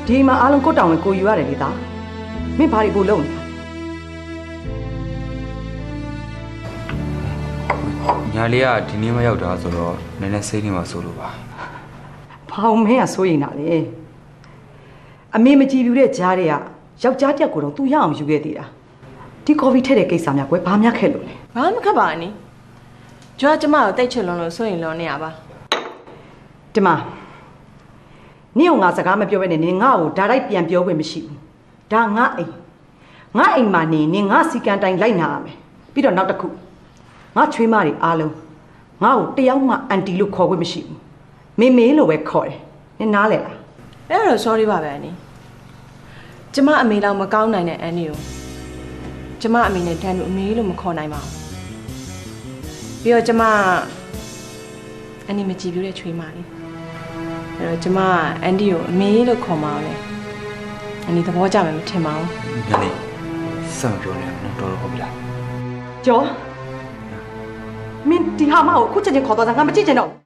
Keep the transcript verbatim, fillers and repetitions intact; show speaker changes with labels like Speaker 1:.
Speaker 1: ဒီမှာအားလုံးကိုတောင်းဝင်ကိုယူရတယ်လေသားမင်းဘာတွေပို့လုံးနေတာ
Speaker 2: ညာလေးကဒီနေ့မရောက်တာဆိုတော့နည်းနည်းစိတ်နေမှာဆိုလို့ပါ
Speaker 1: ဘာအောင်မင်းကစိုးရိမ်တာလေအမေမကြည့်ဘူးတဲ့ကြားတွေကယောက်ျားတက်ကိုတော့သူရအောင်ယူခဲ့သေးတာဒီကော်ဖီထည့်တဲ့ကိစ္စများကွယ်ဘာများခဲ့လို့လဲ
Speaker 3: ဘာမှမခက်ပါနဲ့ကျွမ်းကျမကိုတိတ်ချွလွန်လို့စိုးရင်လွန်နေရပါ
Speaker 1: ဒီမှာနင့်ကငါစကားမပြောဘဲနဲ့နင်ငါ့ကိုဒါတိုက်ပြန်ပြောခွင့်မရှိဘူးဒါငါအိမ်ငါအိမ်မှာနေနင်ငါစီကံတိုင်းလိုက်နာရမယ်ပြီးတော့နောက်တစ်ခုငါချွေးမတွေအားလုံးငါ့ကိုတယောက်မှအန်တီလို့ခေါ်ခွင့်မရှိဘူးမေမေလို့ပဲခေါ်တယ်နင်နားလဲလား
Speaker 3: အဲ့တော့ sorry ပါပဲအန်နီကျမအမေလောက်မကောင်းနိုင်တဲ့အန်နီကိုကျမအမေနဲ့တန်းလို့အမေလို့မခေါ်နိုင်ပါဘူးပြီးတော့ကျမအန်နီမကြည့်ပြတဲ့ချွေးမလေးအဲ့တော့ကျမအန်ဒီကိုအမေလို့ခေါ်မှာလေအန်နီသဘောကျမယ်မထင်ပါဘူး
Speaker 2: ညာလေးစမ်းပြောနေတော့တော်တော်ဟုတ်ပြီလား
Speaker 1: ကျော်မင်းဒီဟာမကိုအခုချက်ချင်းခေါ်သွားတာငါမကြည့်ချင်တော့